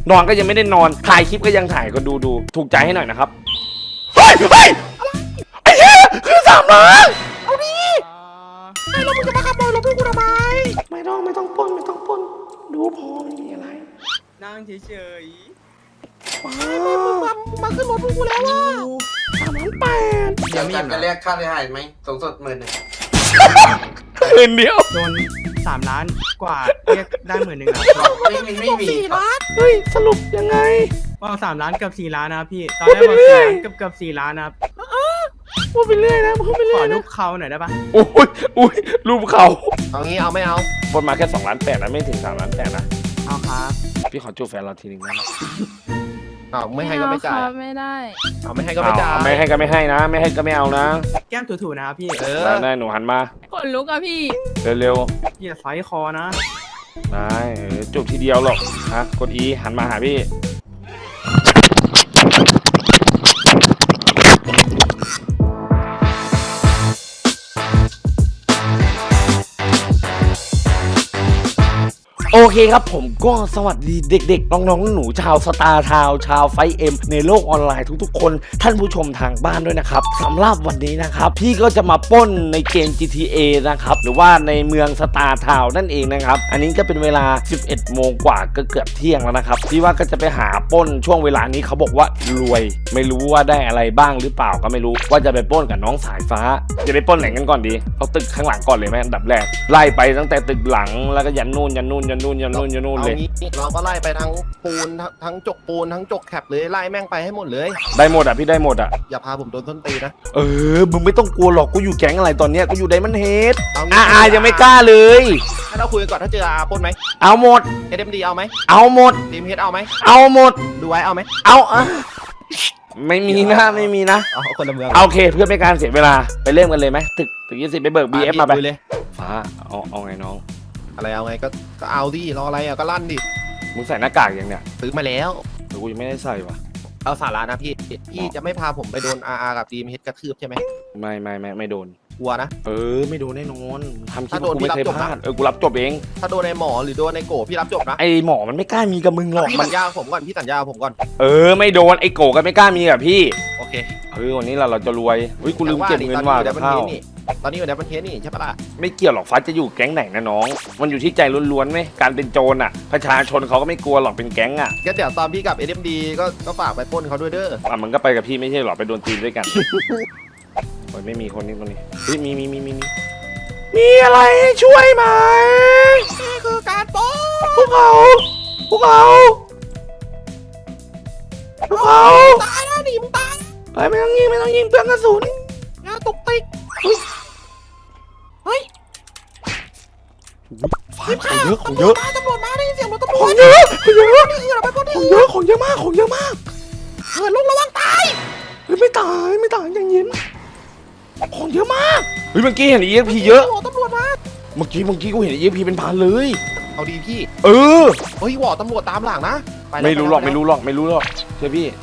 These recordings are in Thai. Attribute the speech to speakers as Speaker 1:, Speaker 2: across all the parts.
Speaker 1: นอนก็ยังไม่ได้นอนถ่ายคลิปก็ยังถ่ายก็ดูถูกใจให้หน่อยนะครับเฮ้ยไอ้เหี้ยคือ3 ล้าน
Speaker 2: เอาดิไอ้แล้วมึงจะมาขโมยรถพวกกูทำไม
Speaker 1: ไม่ต้องปล้นดูพอไม่มีอะไร
Speaker 3: นั่งเฉย
Speaker 2: มาขึ้นรถพวกกูแล้วว่ะ
Speaker 1: 3,800,000
Speaker 4: เดี๋ยวจะเรียกค่าเสียหายไหมสูงสุด10,000
Speaker 1: คืนเดียว
Speaker 3: โดน3 ล้านกว่าเรียกได้10,000อ่ะ
Speaker 4: ไม่มี
Speaker 2: 4 ล้าน
Speaker 1: เฮ้ยสรุปยังไง
Speaker 3: ว่า3 ล้านกับ4 ล้านนะพี่ตอนแรกบอก4 ล้านกับ4 ล้านนะครับ
Speaker 1: พูดไปเรื่อยนะพูดไปเรื่
Speaker 3: ข
Speaker 1: อ
Speaker 3: อย
Speaker 1: นะ
Speaker 3: รูปเขาหน่อยได้ปะ
Speaker 1: อุ้ยรูปเขา
Speaker 4: เอางี้เอาไม่เอา
Speaker 1: ปล้นมาแค่2,800,000นะไม่ถึง3,800,000นะ
Speaker 3: เอาครับ
Speaker 1: พี่ขอจูบแฟนเราทีนึงนะ
Speaker 4: ไม่ให้ก็ไม่จ่าย
Speaker 5: ไม่ได้
Speaker 4: ไม่ให้ก็ไม่จ่าย
Speaker 1: ไม่ให้ก็ไม่ให้นะไม่ให้ก็ไม่เอานะ
Speaker 3: แก้มถูๆนะครับพี่
Speaker 1: ได้หนูหันมา
Speaker 5: ขนลุกอะพี่
Speaker 1: เร็ว
Speaker 3: พี่จะไฟคอนะ
Speaker 1: ได้จูบทีเดียวหรอกฮะกด E หันมาหาพี่โอเคครับผมก็สวัสดีเด็กๆน้องๆหนูชาวสตาร์ทาวชาวไฟเอ็มในโลกออนไลน์ทุกๆคนท่านผู้ชมทางบ้านด้วยนะครับสำหรับวันนี้นะครับพี่ก็จะมาปล้นในเกม GTA นะครับหรือว่าในเมืองสตาร์ทาวนั่นเองนะครับอันนี้ก็เป็นเวลา 11 โมงกว่าก็เกือบเที่ยงแล้วนะครับพี่ว่าก็จะไปหาปล้นช่วงเวลานี้เขาบอกว่ารวยไม่รู้ว่าได้อะไรบ้างหรือเปล่าก็ไม่รู้ว่าจะไปปล้นกับน้องสายฟ้าจะไปปล้นไหนกันก่อนดีเอาตึกข้างหลังก่อนเลยไหมอันดับแรกไล่ไปตั้งแต่ตึกหลังแล้วก็ยันนู่นเลย
Speaker 4: เราก็ไล่ไปทั้งปูนทั้งจกปูนทั้งจกแคปเลยไล่แม่งไปให้หมดเลย
Speaker 1: ได้หมดอ่ะพี่ได้หมดอ่ะ
Speaker 4: อย่าพาผมโดนต้นตีนะ
Speaker 1: มึงไม่ต้องกลัวหรอกกูอยู่แก๊งอะไรตอนเนี้ยกูอยู่ไดมอนด์เฮดยังไม่กล้าเลย
Speaker 4: ให้เราคุยกันก่อนถ้าเจอปล้นไหม
Speaker 1: เอาหมด
Speaker 4: SMD เอาไหม
Speaker 1: เอาหมด
Speaker 4: ทีมเฮดเอาไหม
Speaker 1: เอาหมด
Speaker 4: ดูไว้เอาไหม
Speaker 1: เอาไม่มีนะ
Speaker 4: คนละเมือง
Speaker 1: โอเคเพื่อไม่การเสียเวลาไปเริ่มกันเลยไหมตึก20ไปเบิก BF มาไป
Speaker 4: เลย
Speaker 1: ฟ้าเอาไงน้อง
Speaker 4: อะไรเอาไงก็เอาดิรออะไรอ่ะก็ลั่นดิ
Speaker 1: มึงใส่หน้ากากยังเนี่ย
Speaker 4: ซื้อมาแล้ว
Speaker 1: แต่กูยังไม่ได้ใส่ว่ะ
Speaker 4: เอาสาระนะพี่จะไม่พาผมไปโดน RR กับทีมเฮดกระทืบใช่ไหม
Speaker 1: ไม่โดน
Speaker 4: กลัวนะ
Speaker 1: ไม่โดนแน่นอนทำคลิปกูไม่เคยพลาดกูรับจบเอง
Speaker 4: ถ้าโดนในหมอหรือโดนในโกพี่รับจบนะ
Speaker 1: ไอหมอมันไม่กล้ามีกับมึงหรอก
Speaker 4: พี่สัญญาผมก่อน
Speaker 1: ไม่โดนไอโกก็ไม่กล้ามีกับพี่
Speaker 4: โอเค
Speaker 1: วันนี้เราจะรวยกูลืมเก็บเงินว่ากับข้าว
Speaker 4: ตอนนี้อยู่ในประเทศนี่ใช่ปะล่ะ
Speaker 1: ไม่เกี่ยวหรอกฟ้าจะอยู่แก๊งไหนนะน้องมันอยู่ที่ใจล้วนๆไหมการเป็นโจรอ่ะประชาชนเขาก็ไม่กลัวหรอกเป็นแก๊งอ่ะ
Speaker 4: ก็เดี๋ยวตอนพี่กับ SMD ก็ฝากไปปล้นเขาด้วยเด้อ
Speaker 1: มันก็ไปกับพี่ไม่ใช่หรอไปโดนตีนด้วยกันไม่มีคนนี้มีอะไรให้ช่วยไหม
Speaker 2: นี่คือการปล้น
Speaker 1: พวกเขา
Speaker 2: ตายนะหนีมึงตาย
Speaker 1: ไม่ต้องยิงเปลืองกระสุน
Speaker 2: งานตุกติกเฮ้ย
Speaker 1: ของเยอะ
Speaker 2: ตำรวจมาได้ยินเสียงรถตำรวจ
Speaker 1: ของเยอะ
Speaker 2: ของเยอะมากเหินลงระวังตาย
Speaker 1: ไม่ตายอย่างเย็นของเยอะมากเมื่อกี้เห็น EXP เยอะ
Speaker 2: ตำรวจมา
Speaker 1: เมื่อกี้กูเห็น EXP เป็นพันเลย
Speaker 4: เอาดีพี่
Speaker 1: เ
Speaker 4: ฮ้ยวอตำรวจตามหลังนะ
Speaker 1: ไม่รู้หรอกเชื่อพี่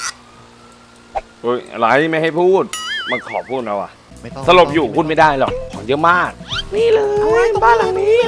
Speaker 1: อะไรไม่ให้พูดมันขอพูดนะว่ะสลบอยู่พูดไม่ได้หรอกของเยอะมากนี่เลยบ้านหลังนี้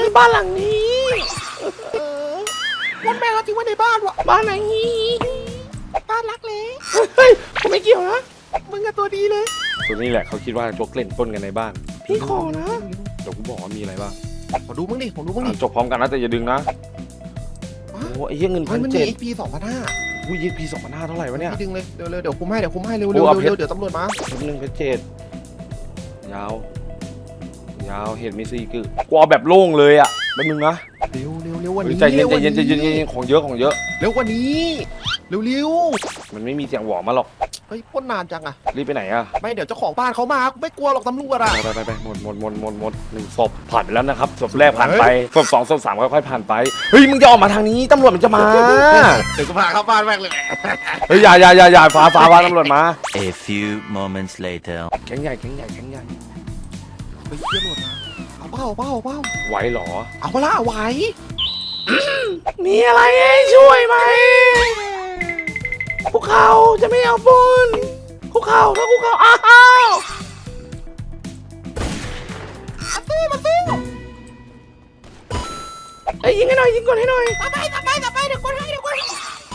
Speaker 2: วันแม่เราทิ้งไว้ในบ้านวะ
Speaker 1: บ้านไหน
Speaker 2: บ้านรักเลย
Speaker 1: เฮ้ยกูไม่เกี่ยวนะ
Speaker 2: มึงกับตัวดีเลย
Speaker 1: ตัวนี้แหละเขาคิดว่าจกเล่นต้นกันในบ้านพี่ขอนะเดี๋ยวกูบอกว่ามีอะไรบ้าง
Speaker 4: ขอดูมึงดิ
Speaker 1: จบพร้อมกันนะแต่อย่าดึงนะโอ้ไอ้เงิน
Speaker 4: 1,700มันมี XP
Speaker 1: 2,500XP 2,500เท่าไหร่วะเนี่ย
Speaker 4: ดึงเลยเร็วเดี๋ยวคุ้มให้เร็วเดี๋ยวตำรวจมา
Speaker 1: 1,700ยาวเห็นมี4คือกูเอาแบบโล่งเลยอ่ะแป๊บนึงนะ
Speaker 4: เร็ววันนี้
Speaker 1: ใจเย็นของเยอะ
Speaker 4: เร็วกว่านี้เร็ว
Speaker 1: มันไม่มีเสียงหวอมาหรอก
Speaker 4: เฮ้ยพ่นนานจังอะ
Speaker 1: รีบไปไหนอะ
Speaker 4: ไม่เดี๋ยวเจ้าของบ้านเขามาไม่กลัวหรอกตำรวจอะ
Speaker 1: ไปหมด1ศพผ่านไปแล้วนะครับศพแรกผ่านไปศพ2ศพ3ค่อยๆผ่านไปเฮ้ยมึงจะออกมาทางนี้ตำรวจมันจะมา
Speaker 4: เดี๋ยวกูพาเข้าบ้านแม่งเลย
Speaker 1: เฮ้ยอย่าฟ้าตำรวจมา
Speaker 6: A few moments later
Speaker 1: แก๊งใหญ่
Speaker 4: ไปเที่ยวหมดมาเอาเป้า
Speaker 1: ไหวหรอ
Speaker 4: เอาเปล่าไหว
Speaker 1: มีอะไรให้ช่วยไหมพวกเขาจะไม่เอาปุนพวกเขาอ้าว
Speaker 2: มาสู้
Speaker 1: ยิงให้หน่อยยิงก่อนให้หน่อย
Speaker 2: ไปเดี๋ยวคนให้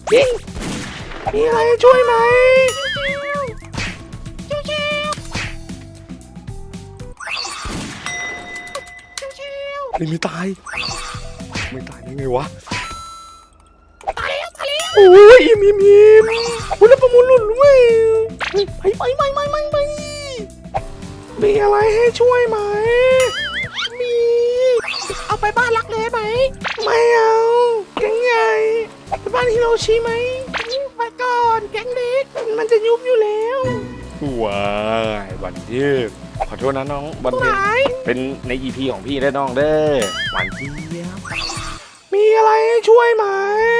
Speaker 1: ยิงมีอะไรให้ช่วยไหมนี่ไม่ตายได้ไงวะโอ้ยอิ่มโอ้ยแล้วประมูลหลุดด้วยไปมีอะไรให้ช่วยไหมมีเอาไปบ้านรักเลยไหมไม่เอาแก๊งใหญ่ไปบ้านฮิโรชิไหมไปก่อนแก๊งเล็กมันจะยุบอยู่แล้วว้ายวันยืดขอโทษนะน้องวันเพ็ญเป็นใน EP ของพี่และน้องเด้อหวานเจี๊ยบมีอะไรให้ช่วยไหม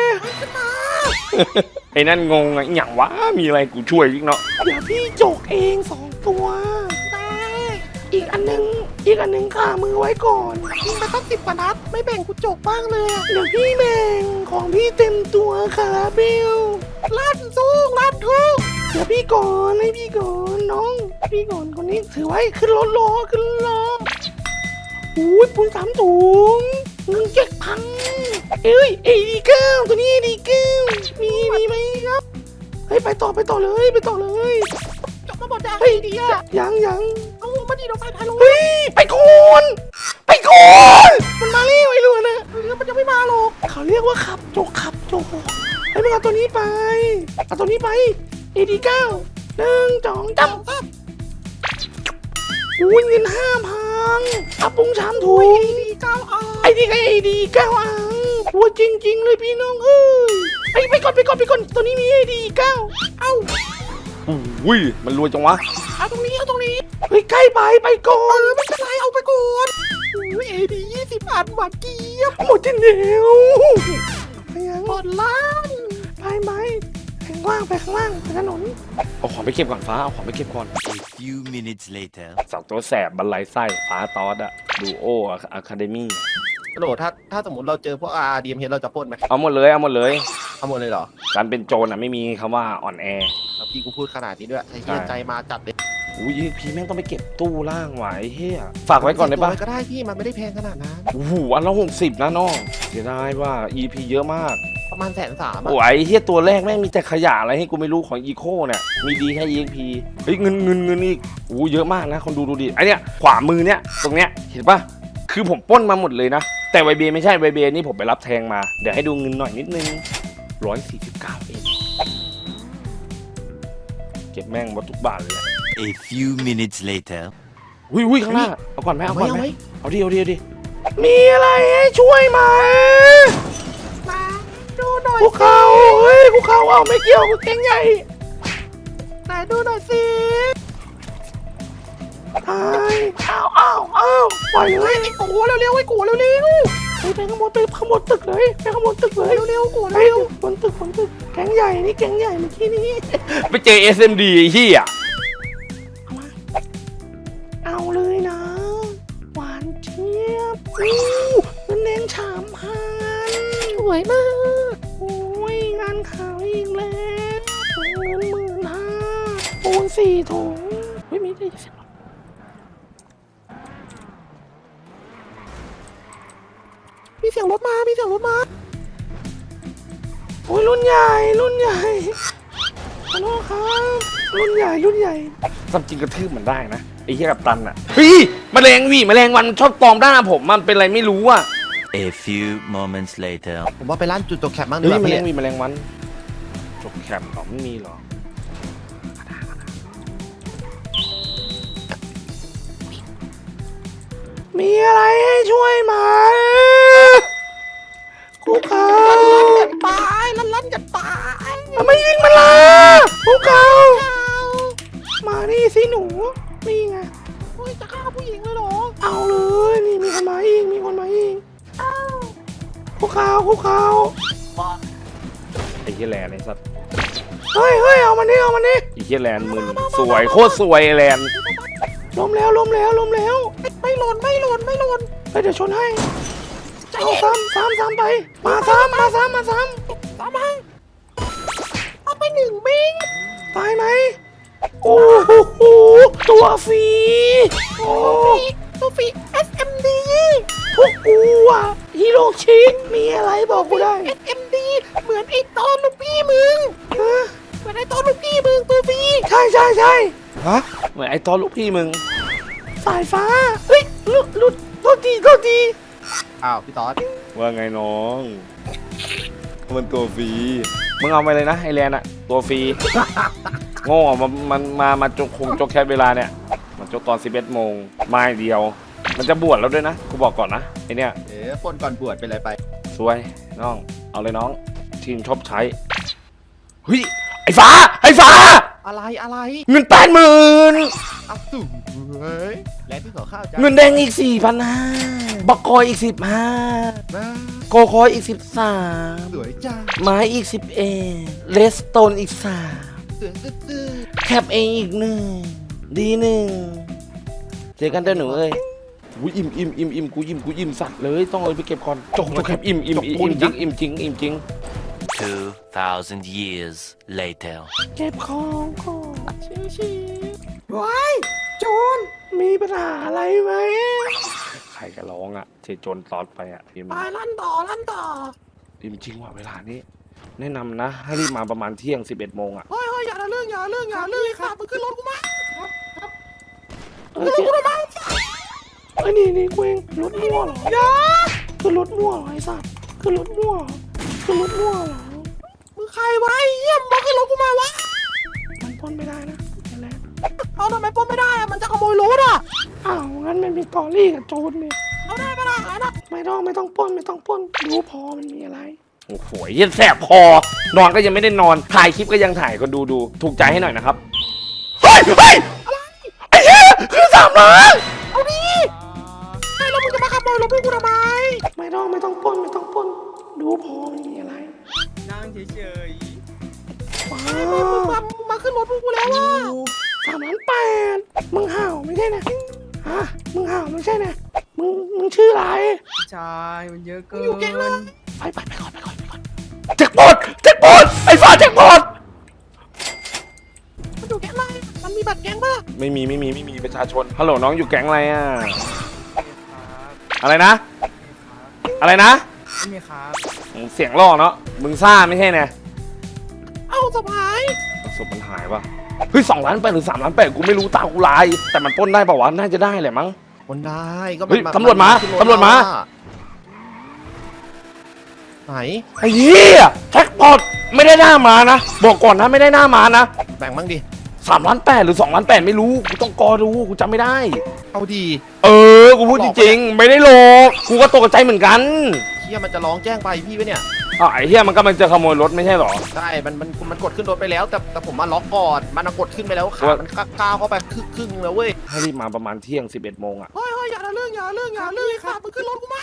Speaker 1: ไอ้นั่นงงอะอย่างวะมีอะไรกูช่วยอีกเนาะเดี๋ยวพี่จกเอง2 ตัวได้อีกอันนึงขามือไว้ก่อนยิงไปตั้ง10 กว่านัดไม่แบ่งกูจกบ้างเลยเดี๋ยวพี่แบ่งของพี่เต็มตัวคาราเบลลั่นทุกเดี๋ยวพี่ก่อนให้พี่ก่อนน้องพี่ก่อนคนนี้ถือไว้ขึ้นรถล้ออุ้ยปูน3 ถุงเงิน7,000เอ้ยAD9ตัวนี้AD9มีไหมครับเฮ้ยไปต่อเลยจบมาหมดแล้วเฮ้ยดีอะยังเอามาดีเราไปลงเฮ้ยไปก่อนมันมาเร็วไอ้ลูกนะมันจะไม่มาหรอกเขาเรียกว่าขับโจกให้มึงเอาตัวนี้ไปAD9 1 2 3อุ้ยเงิน5,000อาปุ้ง3 ถุงไอ้นี่ไงAD9หัวจริงเลยพี่น้องไปก่อนตัวนี้มีAD9อุ้ยมันรวยจังวะเอาตรงนี้เฮ้ยใกล้ไปก่อนไม่เป็นไรเอาไปก่อนAD 20 อันหวานเจี๊ยบหมดที่เหนียวหมดล้านไปข้างล่างไปถนนเอาของไปเก็บก่อนฟ้าเอาของไปเก็บก่อน
Speaker 6: A few minutes later.
Speaker 1: สักตัวแสบบรรลัยไส้ฟ้าตอสอะดูโออะคาเดมี่
Speaker 4: กระโดดถ้าสมมติเราเจอพวกDMH เราจะปล้นไหม
Speaker 1: เอาหมดเลย
Speaker 4: เอาหมดเลยเหรอ
Speaker 1: การเป็นโจรอะไม่มีคำว่าอ่อนแอ
Speaker 4: แล้วพี่กูพูดขนาดนี้ด้วยไอ้เหี้ยใจมาจัดเลย
Speaker 1: อุ้ยพี่แม่งต้องไปเก็บตู้ล่างไว้เฮียฝากไว้ก่อนได้ปะ
Speaker 4: ก็ได้พี่มันไม่ได้แพงขนาดนั้น
Speaker 1: โอ้โหอันละ60นะน้องเสียดายว่า EP เยอะมาก
Speaker 4: ประมาณ130,000
Speaker 1: โอ้ยเฮียตัวแรกแม่งมีแต่ขยะอะไรให้กูไม่รู้ของอีโคเนี่ยมีดีแค่ EXP เฮ้ยเงินอีกโอ้เยอะมากนะคนดูดิไอเนี้ยขวามือเนี้ยตรงเนี้ยเห็นปะคือผมปล้นมาหมดเลยนะแต่ไวเบไม่ใช่ไวเบนี่ผมไปรับแทงมาเดี๋ยวให้ดูเงินหน่อยนิดนึง149เองเก็บแม่งหมดทุกบาทเลย
Speaker 6: A few minutes later.
Speaker 1: อุ้ยข้างหน้าเอาก่อนไหมเอาดิมีอะไรให้ช่วยไหมมาดูหน่อยคุกเข่าเอาไม่เกี่ยวกับแกงใหญ่ไหนดูหน่อยสิอ้าวปล่อยเลยไอ้กูเร็วไปข้างบนตึกเลยเร็วกูเร็วบนตึกแกงใหญ่นี่แกงใหญ่เมื่อกี้นี้ไปเจอ SMD ไอ้เหี้ยเอาเลยนะหวานเจี๊ยบเงินแดง3,000สวยมากโอ้ยงานขาวอีกแล้วเงิน15,000ปูน4 ถุงไม่มีได้สิมีเสียงรถมาโอ้ยรุ่นใหญ่ขอโทษครับรุ่นใหญ่ความจริงกระทืบมันได้นะไอ้เหี้ยกับตันอ่ะเฮ้ยแมลงวันชอบตอมด้านผมมันเป็นอะไรไม่รู้อ่ะ
Speaker 6: A few moments later.
Speaker 4: ผมว่าไปร้านจุดตกแคปบ้างดี
Speaker 1: เฮ้
Speaker 4: ก
Speaker 1: ย
Speaker 4: ว่า
Speaker 1: แมล
Speaker 4: พี่
Speaker 1: งแมลงวันจบแคมป์หรอไม่มีหรอมีอะไรให้ช่วยไหมกูเขาลั่นกันตายทำไมยิงมันล่ะกูเขามานี่สิหนูนี่ไงโอ้ยจะฆ่าผู้หญิงเลยเหรอเอาเลยนี่มีคนมาอีกกูเขาไอ้เหี้ยแลนไอ้สัตว์เฮ้ยเอามันนี่ไอ้เหี้ยแลนมึนสวยโคตรสวยไอ้แลนล้มแล้วไม่หล่นเฮ้ยเดี๋ยวชนให้เอาซ้ำไปมาซ้ำเอาไป1 บิงตายไหมโอ้โหตัวฟรี SMD พวกกูอะฮิโรชิมีอะไรบอกกูได้ SMD
Speaker 2: เหมือนไอ้ตอนลูกพี่มึงเหมือนไอ้ตอนลูกพี่มึงตัวพี่ใช่ฮะ
Speaker 1: เหมือนไอ้ตอนลูกพี่มึง
Speaker 2: สายฟ้าเฮ้ยหลุดโทษที
Speaker 4: อ้าวพี่ต๊อด
Speaker 1: ว่าไงน้องมันตัวฟรีมึงเอาไปเลยนะไอแลนอะตัวฟรีโง่มาจกแค่เวลาเนี่ยมันจกตอน 11 โมงมาอย่างเดียว มันจะบวชแล้วด้วยนะกูบอกก่อนนะไอเนี่ย
Speaker 4: ปนก่อนบวชเป็นไรไป
Speaker 1: สวยน้องเอาเลยน้องทีมชอบใช้เฮ้ยไอ้ฟ้า
Speaker 4: อะไร
Speaker 1: เงิน80,000
Speaker 4: อัพสูงเฮ้ยแล้วพี่ขอข้าวจ้า
Speaker 1: เงินแดงอีก 4,500บักคอยอีก 15
Speaker 4: นะ
Speaker 1: โกคอยอีก
Speaker 4: สวยจ้า
Speaker 1: 13ไม้อีก 11เลสโตนอีก
Speaker 4: สวยตื้อ
Speaker 1: 3แคปเองอีก1ดี1เจอกันเด้อหนูเอ้ยกูอิ่มกูอิ่มสัตว์เลยต้องเลยไปเก็บก่อนจกแคปอิ่มจริง
Speaker 6: 2,000 years later.
Speaker 1: เก็บของก่อน
Speaker 2: ชิวว้ายโจร
Speaker 1: มีปัญหาอะไรไหมใครก็ร้องอ่ะเจโจนตอดไปอ่ะพิมพ์
Speaker 2: ไปลั่นต่อ
Speaker 1: จริงว่ะเวลานี้ แนะนำนะให้รีบมาประมาณเที่ยง 11 โมงอ่ะ
Speaker 2: เฮ้ยอย่าเรื่องค่ะมึงขึ้นรถกูมา
Speaker 1: เอ้ยนี่กูเองรถมั่วเหรอ
Speaker 2: อย่า
Speaker 1: คือรถมั่วเหรอไอ้สัตว์คือรถมั่วเหรอ
Speaker 2: มึงใครวะไอ้เหี้ยมึงขึ้นรถกูมาวะ
Speaker 1: มันปล้นไม่ได้นะไอ้แลน
Speaker 2: เอาทำไมปล้นไม่ได้อะมันจะขโมยรถอะ
Speaker 1: อ้าวงั้นมันมีตอรี่กับโจรนี่
Speaker 2: เอาได้ปะล่ะไอ้น่ะ
Speaker 1: ไม่ต้องปล้นรู้พอมันมีอะไรโอ้โหเย็นแสบคอนอนก็ยังไม่ได้นอนถ่ายคลิปก็ยังถ่ายก็ดูถูกใจให้หน่อยนะครับเฮ้ยไอ้เหี้ยคือ3 ล้าน
Speaker 2: เอาดิไอ้แล้วมึงจะมาขโมยรถพวกกูทำไม
Speaker 1: ไม่ต้องปล้นรู้พอมันมีอะไร
Speaker 3: นั่งเฉย
Speaker 1: ว้า
Speaker 2: มึง
Speaker 1: ว
Speaker 2: มาขึ้นรถพวกกูแล้วว่ะ
Speaker 1: 3,800,000มึงห่าวไม่ใช่นะฮะมึงห่าวไม่ใช่นะมึงชื่ออะไร
Speaker 3: ๆชายมันเยอะเกิน
Speaker 2: อยู่แก๊งนะ
Speaker 1: ไปก่อนแจ็คพอตไอ้ฟ้าแจ็คพอต
Speaker 2: มันอยู่แก๊งอะไรมันมีบัตรแก๊งปะ
Speaker 1: ไม่มีประชาชนฮัลโหลน้องอยู่แก๊งอะไรอ่ะอะไรนะ
Speaker 3: ไม่มีครับ
Speaker 1: เสียงล่อเนาะมึงซ่าไม่ใช่นะ
Speaker 2: เอาสะพาย
Speaker 1: ศพมันหายปะเฮ้ย2 ล้าน 8หรือ3 ล้าน 8กูไม่รู้ตากูลายแต่มันปล้นได้ป่าวะน่าจะได้แหละมั้ง
Speaker 4: คนได้ก็
Speaker 1: เฮ้ยตำรวจมา
Speaker 4: ไหน
Speaker 1: ไอ้เหี้ยแจ็คพอตไม่ได้หน้ามานะบอกก่อนนะไม่ได้หน้ามานะ
Speaker 4: แบ่งบ้างดิ
Speaker 1: 3 ล้าน 8หรือ2 ล้าน 8ไม่รู้กูต้องกอดูกูจำไม่ได้
Speaker 4: เอาดี
Speaker 1: กูพูดจริงๆไม่ได้หลอกกูก็ตกใจเหมือนกัน
Speaker 4: เฮียมันจะร้องแจ้งไปพี่ปะเนี่ย
Speaker 1: อ้าวไอ้เหี้ยมันก็มันจะขโมยรถไม่ใช่หรอ
Speaker 4: ใช่มันกดขึ้นรถไปแล้ว แต่ผมมาล็อกก่อนมันกดขึ้นไปแล้วขามันก้าวเข้าไปครึ่งแล้วเว้ย
Speaker 1: ให้รีบมาประมาณเที่ยง 11 โมงอ่ะ
Speaker 2: เฮ้ยอย่าเรื่องค่ะมึงขึ้นรถกูมา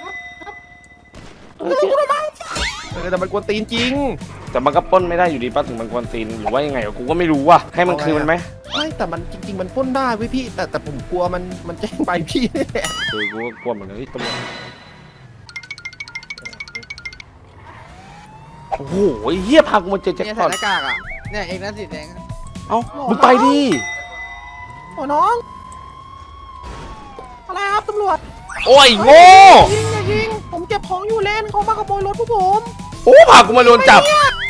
Speaker 4: แต่มันกวนตีนจริง
Speaker 1: แต่มันก็ปล้นไม่ได้อยู่ดีป้าถึงมันควรตีนหรือว่ายังไงกูก็ไม่รู้ว่ะให้มันคืนมันไหม
Speaker 4: ไม่แต่มันจริง ๆ มันปล้นได้เว้ยพี่ แต่ผมกลัวมันแจ้งไปพี่นี่แหละ
Speaker 1: กูก็กลัวเหมือนกันที่ตำรวจโอ้โหไอ้เหี้ยพากูมาเจอแจ็ค
Speaker 5: เนี่ย
Speaker 1: พ
Speaker 5: ใส่
Speaker 1: อต
Speaker 5: หน้ากากอ่ะ เนี่ยเองนั่นสีแดง
Speaker 1: เอ้ามึงไปดิ
Speaker 2: โอ้น้องอะไรครับตำรวจ
Speaker 1: โอ้ยโง่
Speaker 2: ยิงผมเก็บของอยู่เล่นเขามาขโมยรถพวกผม
Speaker 1: โอ้พากูมาโดนจับ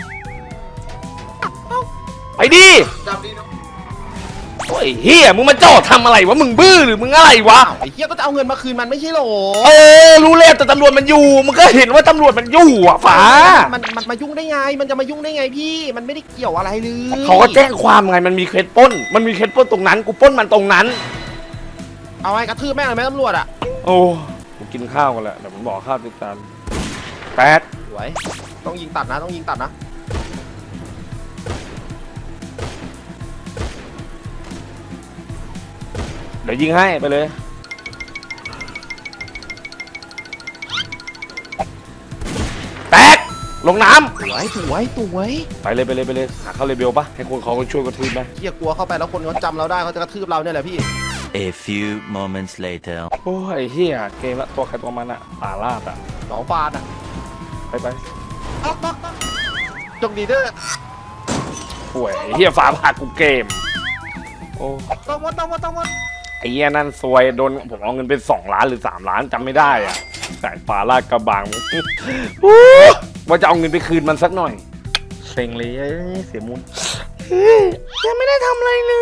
Speaker 1: ไปดิโอ้ยเฮียมึงมาจอดทำอะไรวะมึงบื้อหรือมึงอะไรวะ
Speaker 4: ไอ้เฮียก็จะเอาเงินมาคืนมันไม่ใช่หรอ
Speaker 1: รู้แล้วแต่ตำรวจมันอยู่มึงก็เห็นว่าตำรวจมันอยู่อ่ะฝา
Speaker 4: มันมายุ่งได้ไง มันจะมายุ่งได้ไงพี่ มันไม่ได้เกี่ยวอะไรเลย
Speaker 1: เขาก็แจ้งความไงมันมีเคสปล้นตรงนั้นกูปล้นมันตรงนั้น
Speaker 4: เอาไงกระทืบแม่งเลยไหมตำรวจอ่ะ
Speaker 1: โอ้กูกินข้าวกันแหละเดี๋ยวผมบอกข้าวติดตาม8
Speaker 4: สวยต้องยิงตัดนะต้องยิงตัดนะ
Speaker 1: เดี๋ยวยิงให้ไปเลยแตกลงน้ำ
Speaker 4: สวย
Speaker 1: ไปเลยหาเข้าเลเบลปะให้คนเขาช่วยกระทืบไหม
Speaker 4: เฮียกลัวเข้าไปแล้วคนเขาจำเราได้เขาจะกระทืบเราเนี่ยแหละพี่
Speaker 6: A few moments later.
Speaker 1: โอ้ยเฮียเกมละตัวใครตัวมันอะป่าลาดอะ
Speaker 4: 2 ฟาดอ่ะ
Speaker 1: ไป
Speaker 4: จงดีเด้อ
Speaker 1: ป่วยเฮียฟ้าผ่ากูเกมโอ้
Speaker 4: ต้องหมด
Speaker 1: ไอ้เฮียนั่นซวยโดนผมเอาเงินเป็น2 ล้านหรือ3 ล้านจำไม่ได้อะแต่ป่าลาดกระบังโอ้ว่าจะเอาเงินไปคืนมันสักหน่อยเซ็งเลยเสียมุนยังไม่ได้ทำอะไรเลย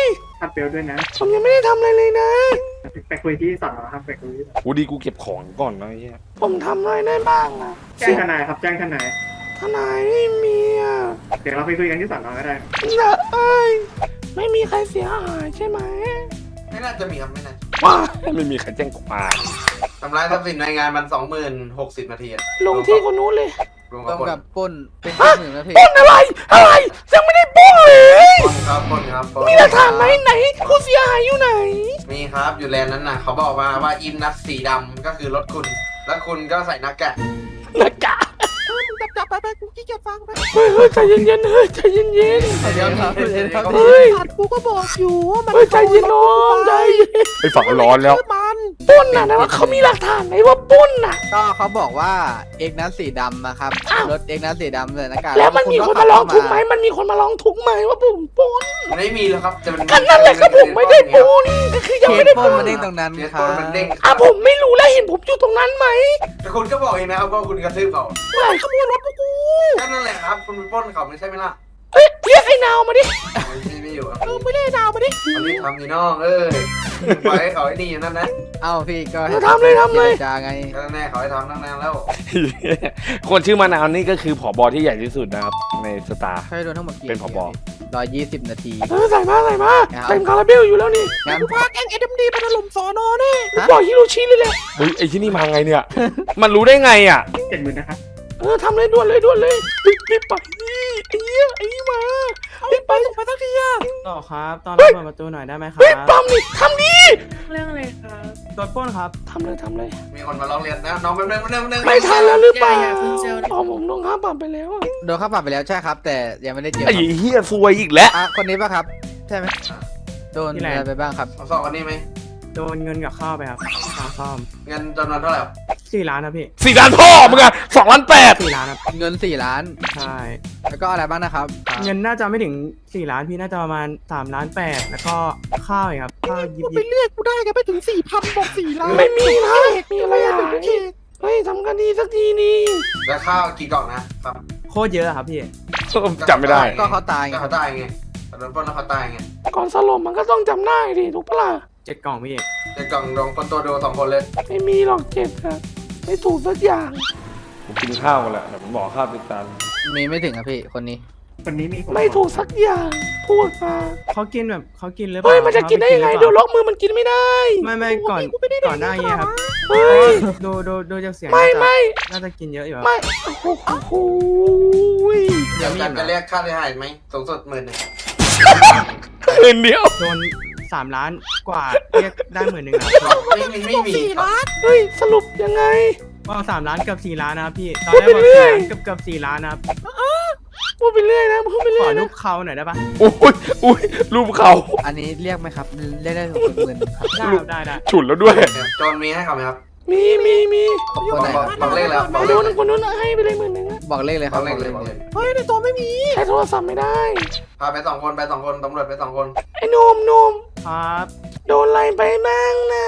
Speaker 7: ขัดเบลด้วยนะ
Speaker 1: ผมยังไม่ได้ทำอะไรเลยนะ
Speaker 7: ไปคุยที่สอนอครับไปคุยที่สอนอ
Speaker 1: กูดีกูเก็บของก่อนนะไอ้เหี้ยผมทำอะไรได้บ้างอะ
Speaker 7: แจ้งทนายครับแจ้งทนาย
Speaker 1: ทนายไม่มีอะ
Speaker 7: เดี๋ยวเราไปคุยกันที่สอนอก็ได้
Speaker 1: นะเอ้ยไม่มีใครเสียหายใช่ไหม
Speaker 5: ไม่น่าจะมีครับไม่น่า
Speaker 1: ว้าไม่มีใครแจ้งความ
Speaker 5: ทำร้ายทรัพย์สินในงานมัน20,060 นาทีอะ
Speaker 1: ลงที่คนนู้นเลย
Speaker 5: รวม
Speaker 2: ร่วม
Speaker 5: กั
Speaker 2: กั
Speaker 5: บบ
Speaker 2: ปล้นเป็นหนึ่งนาที
Speaker 1: ปล้นอะไรยังไม่ได้ปล้นเลย
Speaker 5: ปล้นครับปล้นครับปล้น
Speaker 1: มีหลักฐานไหมไหนผู้เสียหายอยู่ไหน
Speaker 5: มีครับอยู่แลนด์นั้นน่ะเขาบอกมาว่าอินนัสสีดำก็คือรถคุณ แล้วคุณก็ใส่หน้ากาก
Speaker 1: นะกะ
Speaker 2: จับไปกูขี้เกียจฟังไป
Speaker 1: เฮ้ยใจเย็นๆเฮ้ยใจเย็น
Speaker 2: เดี๋ยวครับเดี๋ยวครับ
Speaker 1: ๆเฮ้ย
Speaker 2: สัตว์กูก็บอกอยู่ว่ามัน
Speaker 1: เฮ้ยใจเย็นน้องใจเย็นไอ้ฝั่งร้อนแล้ว
Speaker 2: มัน
Speaker 1: ปล้นน่ะนะว่าเขามีหลักฐานไหมว่าปล้นน่ะ
Speaker 2: ก็เขาบอกว่าเอกนัสสีดำนะครับ
Speaker 1: อ้าว
Speaker 2: รถเอกนัสสีดำเลยนะการ
Speaker 1: แล้วมันมีคนมาร้องทุกข์ไหมมันมีคนมาร้องทุกข์ไหมว่าผมปล้น
Speaker 5: ไม่มีแล้วครับจะมัน
Speaker 1: กันนั่นแหละก็ผมไม่ได้ปล้นก็คือยัง
Speaker 2: เค
Speaker 1: ไม่
Speaker 2: ส
Speaker 1: ได้
Speaker 2: ป
Speaker 1: ป
Speaker 2: ล้
Speaker 1: ล้
Speaker 2: น
Speaker 1: น
Speaker 2: มาเด้งตรงนั้น
Speaker 5: เดี๋ยว
Speaker 2: ค
Speaker 5: ป
Speaker 2: รั
Speaker 5: ล้นมันเด้
Speaker 2: บ
Speaker 5: ง
Speaker 1: อ่ะผมไม่รู้แล้วเห็นผมอยู่ตรงนั้นไหม
Speaker 5: แต่คุณก็บอกเองนะครับว่าคุณกระทืบเขา
Speaker 1: ขโมยรถพวกกู
Speaker 5: ก็นั่นแหละครับคุณไปปล้นเขาไม่ใช่ไหมล่ะ
Speaker 1: เอ้ยเรียกไอ้นาวมาดิ
Speaker 5: ไม่อยู่ครับ
Speaker 1: ไม่ได้นาวมาดิ
Speaker 5: เขารีบทำนี่น้องปล่อยให้เขาไอ้นี่อยู่นั่นนะ
Speaker 2: เอ้าพี่ก็
Speaker 1: ทำเลย
Speaker 2: เจรจาไง
Speaker 5: ก็แน่เขาให้ทำตั้งนานแล้ว
Speaker 1: คนชื่อมานาวนี่ก็คือผบที่ใหญ่ที่สุดนะครับในสตาร์
Speaker 2: ใช้โดนทั้งหมดกี่
Speaker 1: เป็นผบ
Speaker 2: 120 นาที
Speaker 1: ใส่มาเต็มคาราเบลอยู่แล้วนี่
Speaker 2: งั้น
Speaker 1: พาแก๊งเอ็มดีไปถล่มสอนอแน่บอกฮิโรชิเลยแหละเฮ้ยไอ้ที่นี่มาไงเนี่ย มันรู้ได้ไงอ่ะ
Speaker 7: 70,000นะครับ
Speaker 1: ทำเลยด่วนเลยรีบไปนี่ไอ้เหี้ยไอ้นี่มารีบไปส่งไปสักทีอ่ะ
Speaker 3: ต่อครับตอนรับเปิดประตูหน่อยได้ไหมครับ
Speaker 1: เฮ้ยปั๊มนี่ทำดี
Speaker 3: เรื่องอะไรครับโดนปล้นครับ
Speaker 1: ทำเลย
Speaker 5: มีคนมาร้องเรียนนะน้องแป๊บนึง
Speaker 1: ไม่ทันแล้วหรือเปล่าอ๋อผมต้องค่าปรับไปแล้วอะ
Speaker 2: โดนค่าปรับไปแล้วใช่ครับ แต่ยังไม่ได้เจอ
Speaker 1: ไอ้เหี้ยซวยอีกแล้ว
Speaker 2: คนนี้ป่ะครับ ใช่ไหมโดนอะไรไปบ้างครับ
Speaker 5: สองคนนี้ไหม
Speaker 3: โดนเงินกับข้าวไปครับค่าซ่อม
Speaker 5: เงินจำนวนเท่าไหร่
Speaker 3: 4 ล้านครับพี่
Speaker 1: 4 ล้านพ่อมึงอะ2 ล้าน 8
Speaker 3: 4 ล้านครับ
Speaker 2: เงิน4 ล้าน
Speaker 3: ใช่
Speaker 2: แล้วก็อะไรบ้างนะครับ
Speaker 3: เงินน่าจะไม่ถึง4 ล้านพี่น่าจะประมาณ3 ล้าน 8แล้วก็ข้าวอีกครับข้าวยิบ
Speaker 2: ไปเรียกกูได้กันไปถึง 4,000 บอก 4 ล้าน
Speaker 1: ไม่มีนะมีอะไรอ่ะเฮ้ยทำกันดีสักทีนี่
Speaker 5: แล้วข้าวกี่กล่องนะครับ
Speaker 3: โคตรเยอะครับพี่
Speaker 1: จำไม่ได้
Speaker 2: ก็เขาตายไง
Speaker 5: ก็เขาตายไงโดนปล้นแล้วเขาตายไง
Speaker 1: ก่อนสลบมันก็ต้องจำได้ดิถูกปะล่ะ
Speaker 3: 7 กล่องพี่
Speaker 5: จะกล่องดองคนตัวดู2 คนเลย
Speaker 1: ไม่มีหรอกเจ็ดอะไม่ถูกสักอย่างผมกินข้าวกันแหละแต่ผมบอกข้าวติดตัน
Speaker 2: มีไม่ถึงครับพี่คนนี้
Speaker 7: คนนี้มี
Speaker 1: ไม่ถูกสักอย่างพูดมา
Speaker 3: เขากินแบบเขากินหรือเป
Speaker 1: เฮ้
Speaker 3: ล่าย
Speaker 1: มันจะกินได้ยังไงเดี๋ยวล็อกมือมันกินไม่ได้
Speaker 3: ไม่ก่อนหน้าเงี้ยครับ
Speaker 1: เฮ้ย
Speaker 3: ดูจากเสียง
Speaker 1: ไม่
Speaker 3: น่าจะกินเยอะอยู่ครับ
Speaker 1: ไม่โอ้โห
Speaker 5: อยากจะเรียกค่าเสียหายไหมสูงสุด10,000
Speaker 1: คืนเดียว
Speaker 3: โดน3 ล้านกว่าเรียกได้10,000ครับ
Speaker 5: ไม่มี
Speaker 1: เฮ้ยสรุปยังไง
Speaker 3: ว่า3 ล้านกับ4 ล้านนะครับพี่ตอน
Speaker 1: พูด
Speaker 3: แรก
Speaker 1: ไป
Speaker 3: บอก
Speaker 1: เรื่อย
Speaker 3: 4 ล้านกับ4 ล้านนะครับ
Speaker 1: พูดไปเรื่อยนะพูดไป
Speaker 3: ข
Speaker 1: เรื่
Speaker 3: อ
Speaker 1: อย
Speaker 3: รู
Speaker 1: นะ
Speaker 3: ปเขาหน่อยได้ปะ
Speaker 1: อุ้ยรูปเขา
Speaker 2: อันนี้เรียกไหมครับ เรียกได้60,000ครับ
Speaker 3: ได้
Speaker 1: ฉุนแล้วด้วย
Speaker 5: โจนมีให้เขาไหมครับ
Speaker 1: มี
Speaker 2: คนไหนครับ
Speaker 5: บอกเลขแล้ว
Speaker 1: คนนู้นคนนู้นให้ไปเลย10,000อะ
Speaker 2: บอกเลขเลยค
Speaker 5: บ
Speaker 2: รั
Speaker 5: อบ กเลขเลย
Speaker 1: เฮ้ยในตัวไม่มีใช้โทรศัพท์ไม่ได้
Speaker 5: พาไป2 คนตำรวจไป2 คน
Speaker 1: ไอ้หนุ่ม
Speaker 3: ครับ
Speaker 1: โดนอะไรไปบ้างนะ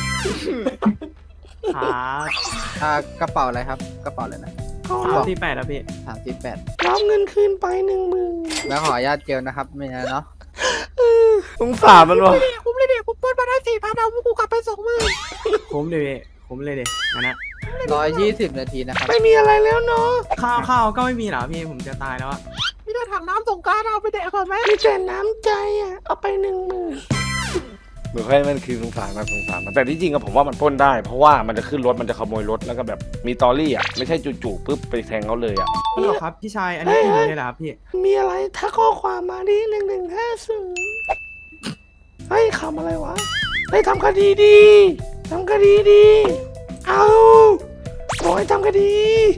Speaker 3: ครับ
Speaker 2: กระเป๋าอะไรครับ กระเป๋าอะไรนะ
Speaker 1: เขา
Speaker 3: 38แล้วพี่
Speaker 2: 38
Speaker 1: รับเงินคืนไป10,000
Speaker 2: แล้วขออนุญาตเจลนะครับไม่งั้นเนาะ
Speaker 1: สงสารมันวะ
Speaker 2: คุ้มเลยเด็กผมปล้นมาได้4,000เอาพวกกูกลับไป20,000
Speaker 3: คุ้มเลยพี่คุ้มเลยเด็งั้นนะ
Speaker 2: 120 นาทีนะครับ
Speaker 1: ไม่มีอะไรแล้วเนาะ
Speaker 3: ข้าวก็ไม่มีเหรอพี่ผมจะตายแล้วอะ
Speaker 2: พี่ได้ถังน้ำสงกรานต์เอาไปแดกก่อนไหม
Speaker 1: มีแต่น้ำใจอ่ะเอาไป10,000เหมือนให้มันคือสงสารมันแต่ที่จริงอะผมว่ามันปล้นได้ เพราะว่ามันจะขึ้นรถมันจะขโมยรถแล้วก็แบบมีตอรี่อ่ะไม่ใช่จู่ๆปุ๊บไปแทงเขาเลยอ่ะ
Speaker 3: ฮัลโหลครับพี่ชายอันนี้อิ่มเลยเหรอครับพี่
Speaker 1: มีอะไรถ้าข้อความมาดิ1150เฮ้ยคำอะไรวะเฮ้ยทำคดีดีทำคดีดีเอาบอกให้ทำคดี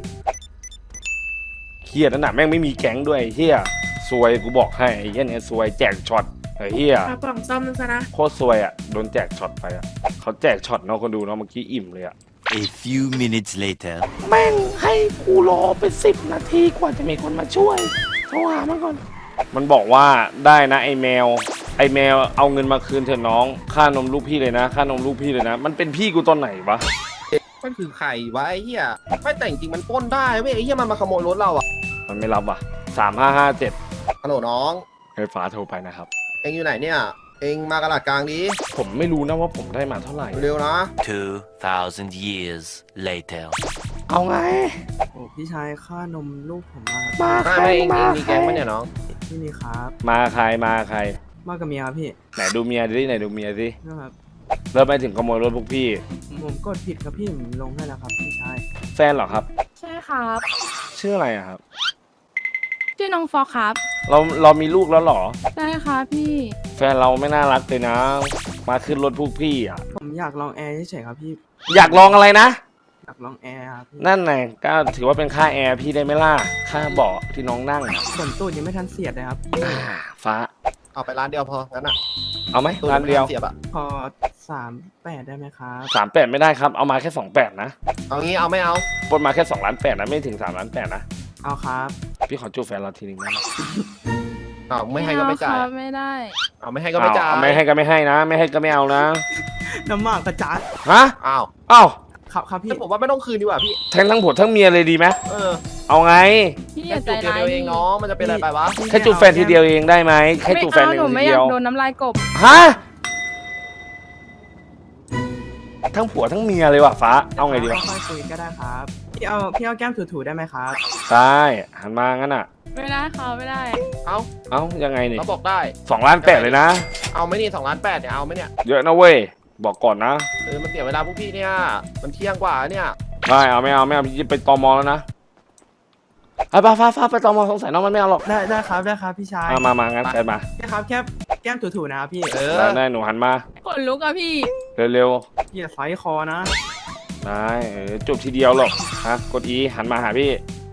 Speaker 1: เฮียนั่นน่ะแม่งไม่มีแก๊งด้วยไอ้เฮียซวยกูบอกให้ไอ้เฮียเนี่ยซวยแจกช็อตไอ้เฮีย
Speaker 8: เอากล่องซ่อมมันซะนะ
Speaker 1: โคตรซวยอ่ะโดนแจกช็อตไปอ่ะเขาแจกช็อตเนาะคนดูเนาะเมื่อกี้อิ่มเลยอ่ะ
Speaker 6: A few minutes later.
Speaker 1: แม่งให้กูรอไป10 นาทีกว่าจะมีคนมาช่วยโทรหามันก่อน มันบอกว่าได้นะไอแมวเอาเงินมาคืนเถอะน้องค่านมลูกพี่เลยนะค่านมลูกพี่เลยนะ มันเป็นพี่กูตอนไหนวะ
Speaker 4: มันคือใครวะไอ้เหี้ยไม่แต่จริงๆมันปล้นได้เว้ยไอ้เหี้ยมันมาขโมยรถเราอะ
Speaker 1: มันไม่รับว่ะ3557
Speaker 4: ฮัลโหลน้อง
Speaker 1: ไฟฟ้าโทรไปนะครับ
Speaker 4: เองอยู่ไหนเนี่ยเองมากระดาษกลางดิ
Speaker 1: ผมไม่รู้นะว่าผมได้มาเท่าไหร่
Speaker 4: เร็วๆนะ
Speaker 6: 2,000 years later.
Speaker 1: เอาไง
Speaker 3: โอ้พี่ชายค่านมลูกผมมา
Speaker 1: มา
Speaker 4: ไม่เองมีแก๊งปะเนี่ยน้อง
Speaker 3: พี่มีครับ
Speaker 1: มาใครมาใคร
Speaker 3: มากับเมียครับพี่
Speaker 1: ไหนดูเมียดิไหนดูเมียสิ
Speaker 3: นะครับ
Speaker 1: เริ่มไปถึงขโมยรถพวกพี่
Speaker 3: ผมกดผิดครับพี่ผมลงให้แล้วครับพี่ชาย
Speaker 1: แฟนเหรอครับ
Speaker 8: ใช่ครับ
Speaker 1: ชื่ออะไรอะครับ
Speaker 8: ชื่อน้องฟอครับ
Speaker 1: เรามีลูกแล้วเหรอ
Speaker 8: ใช่ครับพี่
Speaker 1: แฟนเราไม่น่ารักเลยนะ มาขึ้นรถพวกพี่อ่ะ
Speaker 3: ผมอยากลองแอร์เฉยๆครับพี่
Speaker 1: อยากลองอะไรนะ
Speaker 3: อยากลองแอร์ครับพี่
Speaker 1: นั่นไงก็ถือว่าเป็นค่าแอร์พี่ได้ไหมล่ะ ค่าเบาะที่น้องนั่งอะ
Speaker 3: ขนตูดยังไม่ทันเสียดเลยครับพี่
Speaker 1: ฟ้า
Speaker 4: เอาไปร้านเดียวพองั้นอะ
Speaker 1: เอาไหม
Speaker 4: ตู้
Speaker 1: ร้านเดียว
Speaker 4: เสียบอะ
Speaker 3: พอ38ได้ไหมครับ
Speaker 1: 38ไม่ได้ครับ เอามาแค่28นะ
Speaker 4: เอางี้เอาไม่เอา
Speaker 1: ปนมาแค่2,800,000นะไม่ถึง3,800,000นะ
Speaker 3: เอาครับ
Speaker 1: พี่ขอจูบแฟนเราทีนึงได้ไหม
Speaker 4: เอาไม่ให้ก็ไม่จ่าย
Speaker 8: เอครับไม่ได้
Speaker 4: เอาไม่ให้ก็ไม่จ่าย
Speaker 1: เอาไม่ให้ก็ไม่ให้นะ ไม่ให้ก็ไม่เอานะ
Speaker 3: น้ำหมากกระจัด
Speaker 1: ฮะ
Speaker 4: อ้าว
Speaker 1: อ้าว
Speaker 3: ครับพี่
Speaker 4: แต่ผมว่าไม่ต้องคืนดีกว่าพี่
Speaker 1: ทั้งผัวทั้งเมียเลยดีไหม
Speaker 4: เออ
Speaker 1: เอาไง
Speaker 8: พี่อ
Speaker 4: แค่
Speaker 8: ย่าใจ
Speaker 4: จูบเดี
Speaker 8: ร้าย
Speaker 4: ยวเองน้องมันจะเป็นอะไรไปวะ
Speaker 1: แค่จูบแฟนทีเดียวเองได้ไหมแค่จูบแฟนห
Speaker 8: ไม่
Speaker 1: นึ่
Speaker 8: เอาหนู
Speaker 1: ง
Speaker 8: ไม่
Speaker 1: ที
Speaker 8: อ
Speaker 1: เดี
Speaker 8: ยา
Speaker 1: ยว
Speaker 8: กโดนน้ำลายกบ
Speaker 1: ฮะทั้งผัวทั้งเมียเลยว่ะฟ้าเอาไงดีวะ
Speaker 3: ค่อยๆคุยก็ได้ครับพี่เอาแก้มถูๆได้ไหมครับ
Speaker 1: ได้หันมางั้นอ่ะ
Speaker 8: ไม่ได้ครับไม่ได้
Speaker 4: เอา
Speaker 1: เอ้ายังไงนี่
Speaker 4: เราบอกได้
Speaker 1: 2,800,000เลยนะ
Speaker 4: เอาไหม่นี่2,800,000เนี่ยเอาไหมเนี่ย
Speaker 1: เยอะนะเว้ยบอกก่อนนะ
Speaker 4: มันเสียเวลาพวกพี่เนี่ยมันเที่ยงกว่าเนี่ย
Speaker 1: ไม่เอาไม่เอาพี่ไปตมแล้วนะไอ้ฟ้าไปตมสงสัยน้องมันไม่เอาหรอก
Speaker 3: ได้ครับพี่ชาย
Speaker 1: มางั้นแฟนมา
Speaker 3: พี่ครับแค่แก้มถูๆนะครับพี่
Speaker 4: เออ
Speaker 1: ได้หนูหันมา
Speaker 8: ขนลุกอะพี่
Speaker 1: เร็ว
Speaker 3: อย่าไซส์คอนะ
Speaker 1: ๆได้จูบทีเดียวหรอกฮะกดอีหันมาหาพี่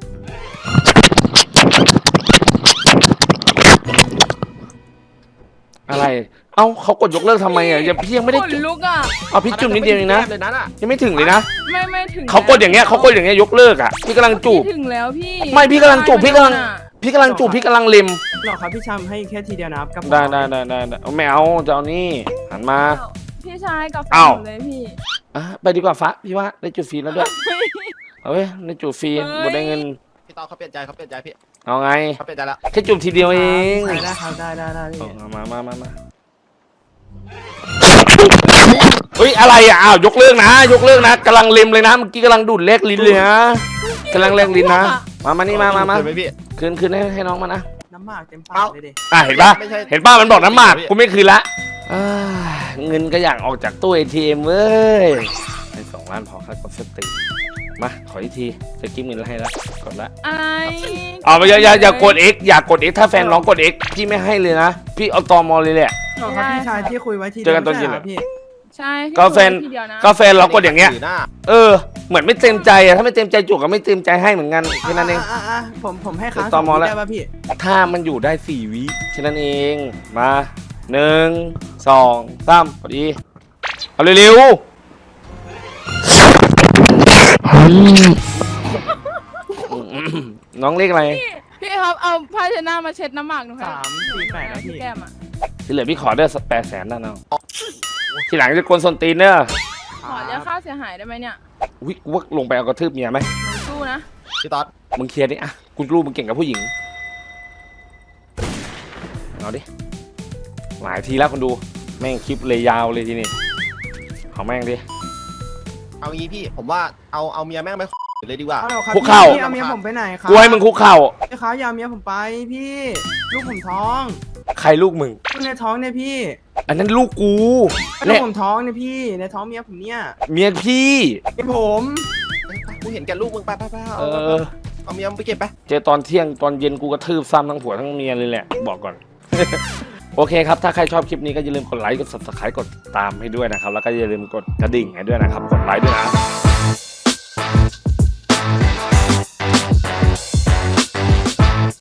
Speaker 1: อะไรเอ้าเขากดยกเลิกทำไมอ่ะยังพี่ยังไม่ได้
Speaker 8: ขน
Speaker 1: จุบ
Speaker 8: ลุกอะ
Speaker 1: เอาพี่จุ่มนิดเดียวเองนะ
Speaker 4: เลยนั้นอะ
Speaker 1: ยังไม่ถึงเลยนะ
Speaker 8: ไม่ถึง
Speaker 1: เขากดอย่างเงี้ยยกเลิกอ่ะพี่กำลังจูบ
Speaker 8: พี่ถึงแล้วพี่
Speaker 1: ไม่พี่กำลังจูบพี่กำลัง
Speaker 8: อะ
Speaker 1: พี่กำลังจูบพี่กำลังเล็ม
Speaker 3: หรอครับพี่ชามให้แค่ทีเดียวนะครับกับ
Speaker 1: ได้เอาไม่เอาจะเอานี่หันมา
Speaker 8: พี่ชายกับแฟน
Speaker 1: อ้าว
Speaker 8: หนูเลยพี่
Speaker 1: อ่ะไปดีกว่าฟ้าพี่ว่าได้จูบฟรีแล้วด้วยเอาเว้ยได้จูบฟรีหมดได้เงิน
Speaker 4: พี่ตอนเขาเปลี่ยนใจพี่
Speaker 1: เอาไง
Speaker 4: เขาเปลี่ยนใจแล้ว
Speaker 1: แค่จูบทีเดียวเอง
Speaker 3: ได้ครับได้พี่
Speaker 1: เอามาเฮ้ยอะไรอ่ะอ้าวยกเลิกนะกำลังเล็มเลยนะเมื่อกี้กำลังดูดเล็กลิ้นเลยนะกำลังแลกลิ้นนะมานี่มา
Speaker 4: เห็นไหมพี่
Speaker 1: คืนให้น้องมานะ
Speaker 3: น้ำหมากเต็มปากเลยดิ
Speaker 1: อ่ะเห็นป่ะ
Speaker 4: ไม่ใช่
Speaker 1: เห็นป่ะมันบอกน้ำหมากกูไม่คืนละอ่าเงินก็อยากออกจากตู้ ATM เว้ยให้2 ล้านพอครับกดสติมาขออีกทีจะกิ้มเงินให้แล้วกดละ
Speaker 8: อะไร
Speaker 1: เอาไปอย่ากด X อย่ากด X ถ้าแฟนน้องกด X พี่ไม่ให้เลยนะพี่เอาตอมอเลยแหละ
Speaker 3: หรอครับพี่ชายที่คุยไว้ที
Speaker 1: เจอกันตอนเย็น
Speaker 3: ไม่ใช่หรพี่
Speaker 8: ใช่พี่
Speaker 1: ก็แฟน
Speaker 8: คุยทีเดียวนะ
Speaker 1: ก็แฟนเรากดอย่างเงี้ย
Speaker 4: ถืหน้า
Speaker 1: เหมือนไม่เต็มใจอะถ้าไม่เต็มใจจุกก็ไม่เต็มใจให้เหมือนกันแค่นั้นเอง
Speaker 3: ผมให้ค้าง
Speaker 1: ตอมอแล้ว
Speaker 3: ได้ป่ะพี่
Speaker 1: ถ้ามันอยู่ได้4 วิแค่นั้นเองมา1 2 3กดอีเอาเร็วๆน้องเรียกอะไร
Speaker 8: พี่ครับเอาผ้าเช็ดหน้ามาเช็ดน้ำหมากหนูให้
Speaker 3: 348นะพี่
Speaker 8: แก้มอะ
Speaker 1: ที่เหลือพี่ขอได้800,000นะน้องทีหลังจะกวนส้นตีนเนอะ
Speaker 8: ขอเรียกค่าเสียหายได้ไหมเนี่ย
Speaker 1: วิกูว่าลงไปเอากระทืบเมียไหม
Speaker 8: หนูสู้นะ
Speaker 4: พี่ตอน
Speaker 1: มึงเคลียร์ดิอะคุณรู้มึงเก่งกับผู้หญิงเอาดิหลายทีแล้วคนดูแม่งคลิปเลยยาวเลยทีนี้เอาแม่งดิ
Speaker 4: เอางี้พี่ผมว่าเอาเมียแม่งไปเลยดีกว่า
Speaker 3: เอาครับ
Speaker 1: คุกเข่า
Speaker 3: พี่เอาเมียผมไปไหนครับ
Speaker 1: กูให้มึงคุกเข่า
Speaker 3: พี่ครับอย่าเอาเมียผมไปพี่ ลูกผมท้อง
Speaker 1: ใครลูกมึง
Speaker 3: ลูกในท้องเนี่ยพี่
Speaker 1: อันนั้นลูกกู
Speaker 3: ลู
Speaker 1: และ
Speaker 3: กผมท้องเนี่ยพี่ ในท้องเมียผมเนี่ย
Speaker 1: เมียพี่
Speaker 3: เป็นผม
Speaker 4: กูเห็นแกลูกมึงไป
Speaker 1: เออ
Speaker 4: เอาเมียมึงไปเก็บไป
Speaker 1: เจอตอนเที่ยงตอนเย็นกูกระทืบซ้ำทั้งผัวทั้งเมียเลยแหละบอกก่อน โอเคครับถ้าใครชอบคลิปนี้ก็อย่าลืมกดไลค์กด subscribe กดติดตามให้ด้วยนะครับแล้วก็อย่าลืมกดกระดิ่งให้ด้วยนะครับกดไลค์ด้วยนะ